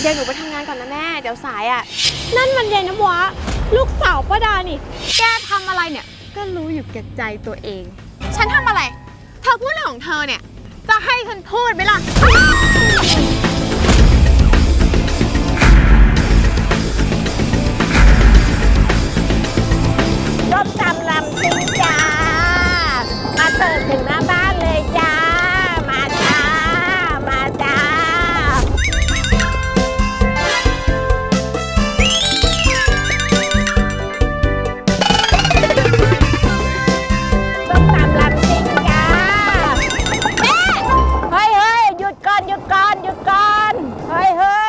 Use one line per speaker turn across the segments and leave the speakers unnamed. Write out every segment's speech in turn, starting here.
ดี๋ยวหนูไปทำงานก่อนนะแม่เดี๋ยวสายอ่ะ
นั่นมันยายน้ำว้าลูกสาวป้าดานี่แกทำอะไรเนี่ยก็รู้อยู่แก่ใจตัวเอง
ฉันทำอะไรเธอพูดอะไรของเธอเนี่ย
จะให้ฉันพูดไหมล่ะ
ส้มตำลำซิ่งจ้ามาเสิร์ฟถึงหน้าบ้านเลยจ้ามาจ้ามาจ้าส้มตำลำซิ่งจ้าแม่เฮ้ยหยุดก่อนหยุดก่อนหยุดก่อนเฮ้ย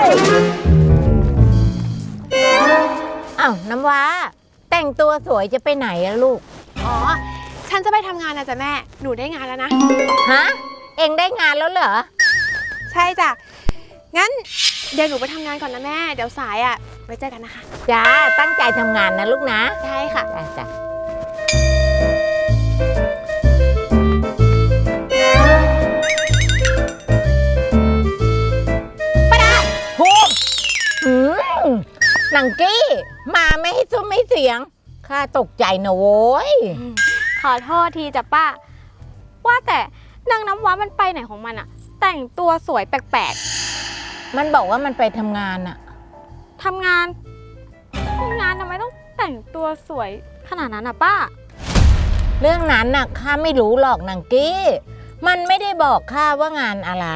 อ้าวน้ำว้าแต่งตัวสวยจะไปไหนอะลูก
อ๋อฉันจะไปทำงานนะจ๊ะแม่หนูได้งานแล้วนะ
ฮะเอ็งได้งานแล้วเหรอ
ใช่จ้ะงั้นเดี๋ยวหนูไปทำงานก่อนนะแม่เดี๋ยวสายอ่ะไว้เจอกันนะคะ
จ้าตั้งใจทำงานนะลูกนะ
ใช่ค่ะ
จ้าป้าดาโหหนังกี้มาไม่ให้ซุ้มไม่เสียงข้าตกใจนะโว้ย
ขอโทษทีจ้ะป้าว่าแต่นางน้ำว้ามันไปไหนของมันอะแต่งตัวสวยแปลก
ๆมันบอกว่ามันไปทำงานอะ
ทำงานทำไมต้องแต่งตัวสวยขนาดนั้นอะป้า
เรื่องนั้นน่ะข้าไม่รู้หรอกนางกี้มันไม่ได้บอกข้าว่างานอะไร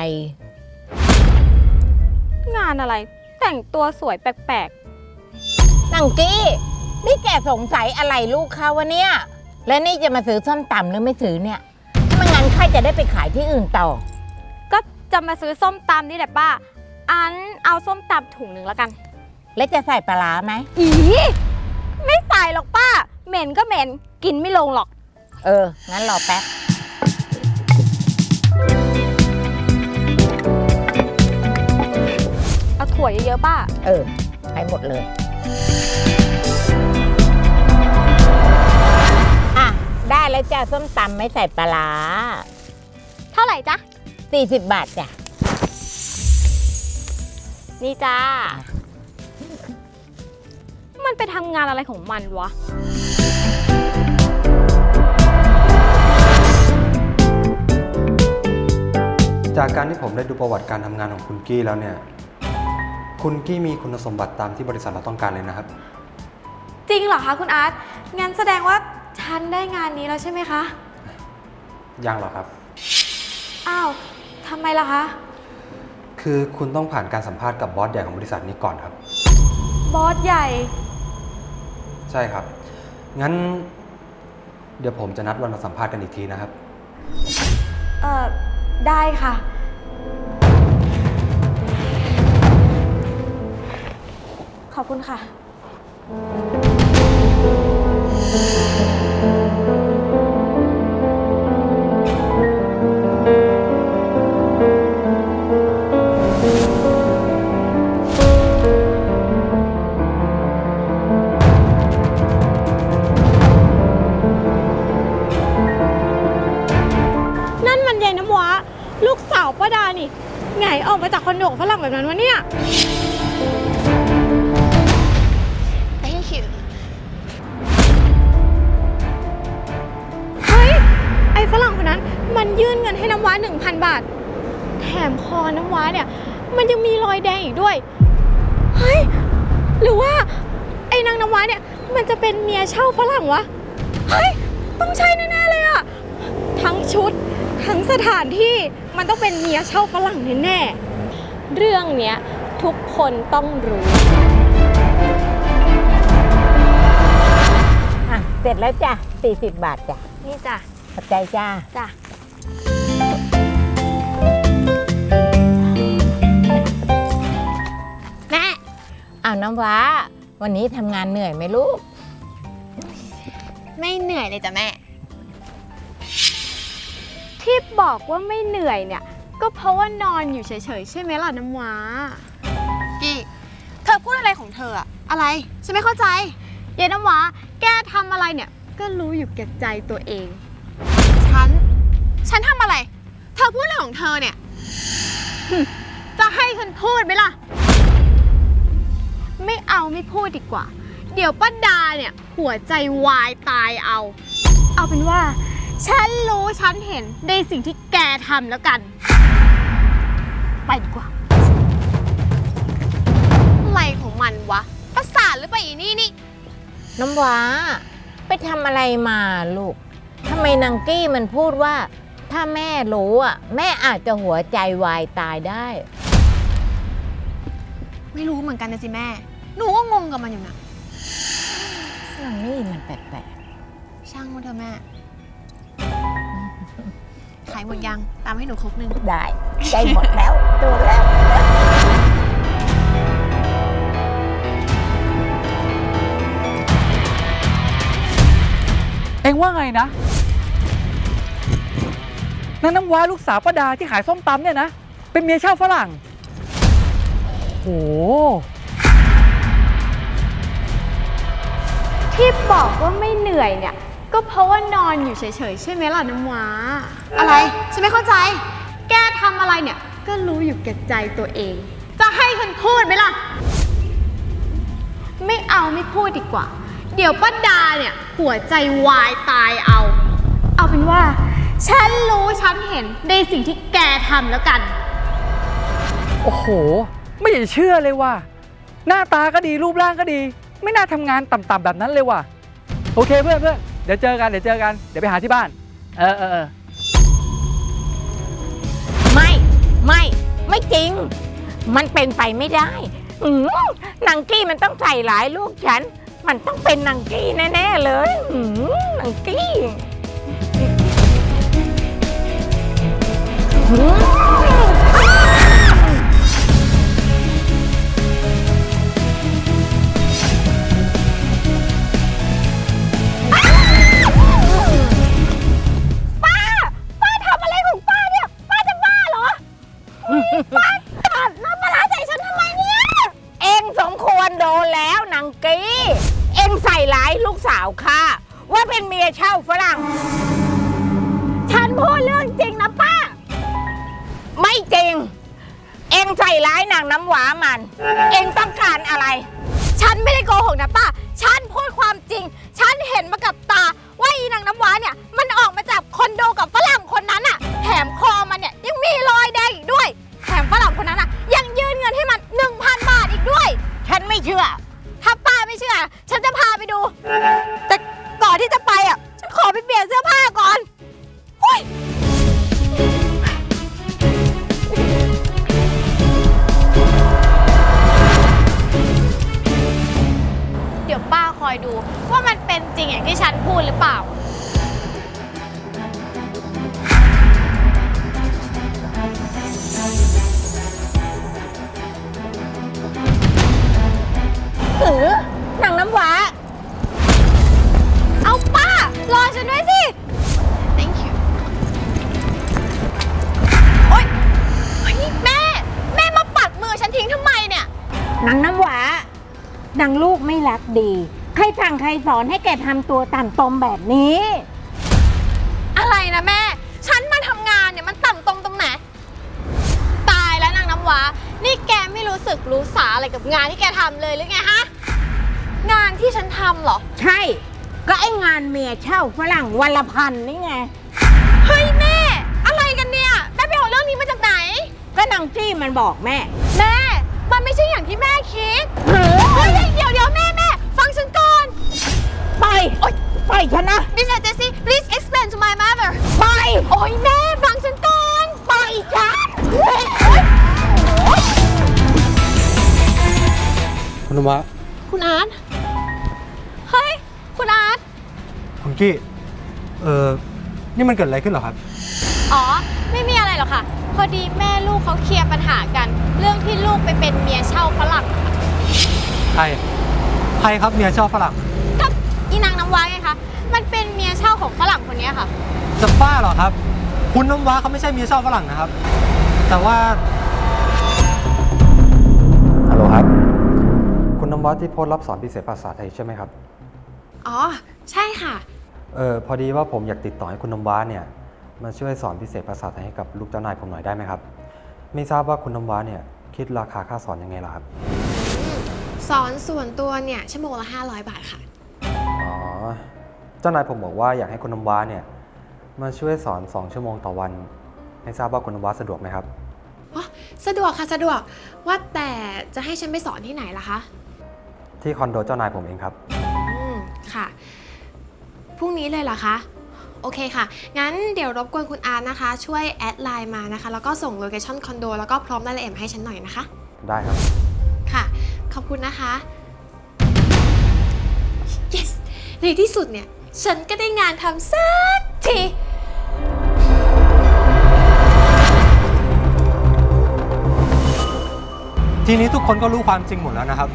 งานอะไรแต่งตัวสวยแปลก
ๆนางกี้นี่แกสงสัยอะไรลูกเขาวะเนี่ยและนี่จะมาซื้อส้มตำหรือไม่ซื้อเนี่ยไม่งั้นข้าจะได้ไปขายที่อื่นต่อ
ก็จะมาซื้อส้มตำนี่แหละป้าอันเอาส้มตำถุงหนึ่งแล้วกัน
แล้วจะใส่ปลาร้าไหม
ไม่ใส่หรอกป้าเหม็นก็เหม็นกินไม่ลงหรอก
งั้นรอแป๊บ
เอาถั่วเยอะๆป้า
ให้หมดเลยได้แล้วจ้าส้มตำไม่ใส่ปลาร้า
เท่าไหร่จ๊ะ
40 บาทจ้ะ
นี่จ้ามันไปทำงานอะไรของมันวะ
จากการที่ผมได้ดูประวัติการทำงานของคุณกี้แล้วเนี่ยคุณกี้มีคุณสมบัติตามที่บริษัทเราต้องการเลยนะครับ
จริงเหรอคะคุณอาร์ตงั้นแสดงว่าฉันได้งานนี้แล้วใช่ไหมคะ
ยังหรอครับ
อ้าวทำไมล่ะคะ
คือคุณต้องผ่านการสัมภาษณ์กับบอสใหญ่ของบริษัทนี้ก่อนครับ
บอสใหญ่
ใช่ครับงั้นเดี๋ยวผมจะนัดวันมาสัมภาษณ์กันอีกทีนะครับ
ได้ค่ะขอบคุณค่ะ
นั่นมันยายน้ำว้าลูกสาวป้าดานี่ไงออกมาจากคอนโดฝรั่งแบบนั้นวะเนี่ย
Thank you
เฮ้ยไอ้ฝรั่งคนนั้นมันยื่นเงินให้น้ำว้า 1,000 บาทแถมคอน้ำว้าเนี่ยมันยังมีรอยแดงอีกด้วยเฮ้ยหรือว่าไอ้นางน้ำว้าเนี่ยมันจะเป็นเมียเช่าฝรั่งวะเฮ้ยต้องใช่แน่ๆเลยอะทั้งชุดทั้งสถานที่มันต้องเป็นเมียเช่าฝรั่งแน่ๆเรื่องเนี้ยทุกคนต้องรู้
เสร็จแล้วจ้ะ40 บาทจ้ะ
นี่จ้ะ
ขอบใจจ้า
แม่
เอาน้ำว้าวันนี้ทำงานเหนื่อยไหมลูก
ไม่เหนื่อยเลยจ้ะแม่
ที่บอกว่าไม่เหนื่อยเนี่ยก็เพราะว่านอนอยู่เฉยๆใช่ไหมล่ะน้ำว้า
กี้เธอพูดอะไรของเธออะอะไรฉันไม่เข้าใจ
ยายน้ำว้าแกทำอะไรเนี่ยก็รู้อยู่แก่ใจตัวเอง
ฉันทำอะไรเธอพูดอะไรของเธอเนี่ย
จะให้ฉันพูดไหมล่ะไม่เอาไม่พูดดีกว่า เดี๋ยวป้าดาเนี่ยหัวใจวายตายเอา เอาเป็นว่า ฉันรู้ฉันเห็นในสิ่งที่แกทำแล้วกัน ไปดีกว่า
อะไรของมันวะ ประสาทหรือเปล่าอีนี่
น้ำว้าไปทำอะไรมาลูกทำไมนางกี้มันพูดว่า ถ้าแม่รู้อ่ะแม่อาจจะหัวใจวายตายได้
ไม่รู้เหมือนกันนะสิแม่ หนูก็งงกับมันอยู่นะ
นางนี่มันแปลก
ช่างมันเถอะแม่ ขายหมดยัง ตามให้หนูครกนึง
ๆได้ใจหมดแล้วตัวแล้ว
เอ็งว่าไงนะนางน้ำว้าลูกสาวป้าดาที่ขายส้มตำเนี่ยนะ เป็นเมียเช่าฝรั่งโอ้
ที่บอกว่าไม่เหนื่อยเนี่ย ก็เพราะว่านอนอยู่เฉยๆใช่ไหมล่ะน้ำว้า
อะไร ฉันไม่เข้าใจ
แกทำอะไรเนี่ย ก็รู้อยู่แก่ใจตัวเอง จะให้ฉันพูดไหมล่ะ ไม่เอาไม่พูดดีกว่า เดี๋ยวป้าดาเนี่ยหัวใจวายตายเอา เอาเป็นว่า ฉันรู้ฉันเห็นในสิ่งที่แกทำแล้วกัน
โอ้โห ไม่อยากจะเชื่อเลยว่ะหน้าตาก็ดีรูปร่างก็ดี ไม่น่าทำงานต่ำๆแบบนั้นเลยว่ะโอเคเพื่อนเดี๋ยวเจอกันเดี๋ยวไปหาที่บ้านเออ
ไม่จริง มันเป็นไปไม่ได้นางกี้มันต้องใส่หลายลูกฉัน มันต้องเป็นนางกี้แน่ๆเลยนางกี้เอ็งสมควรโดนแล้วนางกี้เอ็งใส่ร้ายลูกสาวข้าว่าเป็นเมียเช่าฝรั่งฉันพูดเรื่องจริงนะป้าไม่จริงเอ็งใส่ร้ายนางน้ำหวามันเอ็งต้องการอะไร
ฉันไม่ได้โกหกนะป้า ฉันพูดความจริง ฉันเห็นมากับตาว่าอีนางน้ำว้าเนี่ย มันออกมาจากคอนโดกับฝรั่งคนนั้นอะแถมคอมันเนี่ยยังมีรอยแดงอีกด้วย แถมฝรั่งคนนั้นอะยังยื่นเงินให้มัน 1,000 บาทอีกด้วย
ฉันไม่เชื่อ
ถ้าป้าไม่เชื่อ ฉันจะพาไปดู แต่ก่อนที่จะไปอ่ะ ฉันขอไปเปลี่ยนเสื้อผ้าก่อนหุ้ยเดี๋ยวป้าคอยดูว่ามันเป็นจริงอย่างที่ฉันพูดหรือเปล่า
นางน้ำหวา
เอาป้ารอฉันด้วยสิ
thank you โอ๊ยนี่แม่มาปัดมือฉันทิ้งทำไมเนี่ย
นางน้ำหวานางลูกไม่รักดี ใครสั่งใครสอนให้แกทำตัวต่ำตมแบบนี้
อะไรนะแม่ ฉันมาทำงานเนี่ยมันต่ำตรงไหน ตายแล้วนางน้ำว้า นี่แกไม่รู้สึกรู้สาอะไรกับงานที่แกทำเลยหรือไงฮะ งานที่ฉันทำเหรอ
ใช่ ก็ไอ้งานเมียเช่าฝรั่งวันละพันนี่ไง
เฮ้ยแม่ อะไรกันเนี่ยแม่ไปเอาเรื่องนี้มาจากไหน
ก็นางจี้มันบอกแม่
แม่ มันไม่ใช่อย่างที่แม่คิด เฮ้ยเดี๋ยวแม่ ฟังฉันก่อน
ไปไปฉันนะ
Miss Jessie please explain to my mother
ไป
โอ๊ยแม่ฟังฉันก่อน
ไปฉัน
คุณน้ำว้า
คุณอาร์ต เฮ้ย คุณอาร์ต
คุณกี้นี่มันเกิดอะไรขึ้นเหรอครับ
อ๋อ ไม่มีอะไรหรอกค่ะ พอดีแม่ลูกเขาเคลียร์ปัญหากัน เรื่องที่ลูกไปเป็นเมียเช่าฝรั่ง
ใครครับเมียเช่าฝรั่ง
กับอีนางน้ำว้าไงคะ มันเป็นเมียเช่าของฝรั่งคนนี้ค่ะ
จะบ้าเหรอครับ คุณน้ำว้าเขาไม่ใช่เมียเช่าฝรั่งนะครับ แต่ว่าฮัลโหลครับ คุณน้ำว้าที่โพสต์รับสอนพิเศษภาษาไทยใช่ไหมครับ
อ๋อ ใช่ค่ะ
พอดีว่าผมอยากติดต่อให้คุณน้ำว้าเนี่ยมาช่วยสอนพิเศษภาษาไทยให้กับลูกเจ้านายผมหน่อยได้ไหมครับ ไม่ทราบว่าคุณน้ำว้าเนี่ยคิดราคาค่าสอนยังไงล่ะครับ
สสอนส่วนตัวเนี่ยชั่วโมงละ500 บาทค่ะ
อ๋อ เจ้านายผมบอกว่าอยากให้คุณน้ำว้าเนี่ยมาช่วยสอน2 ชั่วโมงต่อวัน ให้ทราบว่าคุณน้ำว้าสะดวกไหมครับ
อ๋อ สะดวกค่ะสะดวก ว่าแต่จะให้ฉันไปสอนที่ไหนล่ะคะ
ที่คอนโดเจ้านายผมเองครับ
ค่ะ พรุ่งนี้เลยเหรอคะ โอเคค่ะ งั้นเดี๋ยวรบกวนคุณอาร์ตนะคะ ช่วยแอดไลน์มานะคะ แล้วก็ส่งโลเคชั่นคอนโดแล้วก็พร้อมรายละเอียดมาให้ฉันหน่อยนะคะ
ได้ครับ
ค่ะ ขอบคุณนะคะ yes ในที่สุดเนี่ย ฉันก็ได้งานทำสักที
ทีนี้ทุกคนก็รู้ความจริงหมดแล้วนะครับ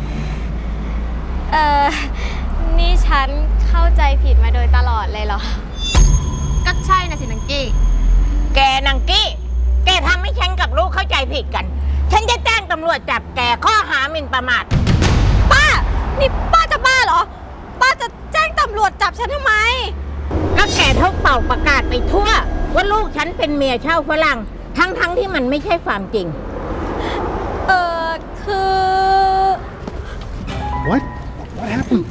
นี่ฉันเข้าใจผิดมาโดยตลอดเลยเหรอ
ก็ใช่นะสินังกี้
แกนางกี้ แกทำให้ฉันกับลูกเข้าใจผิดกัน ฉันจะแจ้งตำรวจจับแกข้อหาหมิ่นประมาท
ป้า นี่ป้าจะบ้าเหรอ ป้าจะแจ้งตำรวจจับฉันทำไม
ก็แกเท่าเป่าประกาศไปทั่ว ว่าลูกฉันเป็นเมียเช่าฝรั่ง ทั้งที่มันไม่ใช่ความจริง
คือ
What? What happened?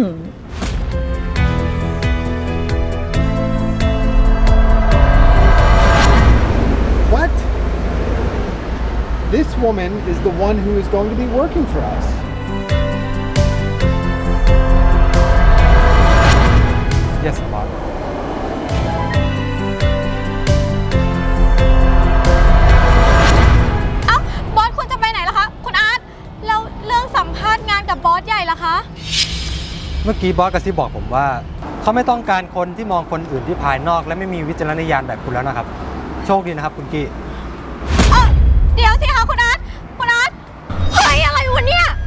What? This woman is the one who is going to be working for us.
Yes, boss.
เอ้า บอสคุณจะไปไหนล่ะคะ คุณอาร์ต แล้วเรื่องสัมภาษณ์งานกับบอสใหญ่ล่ะคะ
เมื่อกี้บอสกระซิบบอกผมว่า เขาไม่ต้องการคนที่มองคนอื่นที่ภายนอก และไม่มีวิจารณญาณแบบคุณแล้วนะครับ โชคดีนะครับคุณกี้
เดี๋ยวสิคะคุณอาร์ต คุณอาร์ต เฮ้ย อะไรวะเนี่ย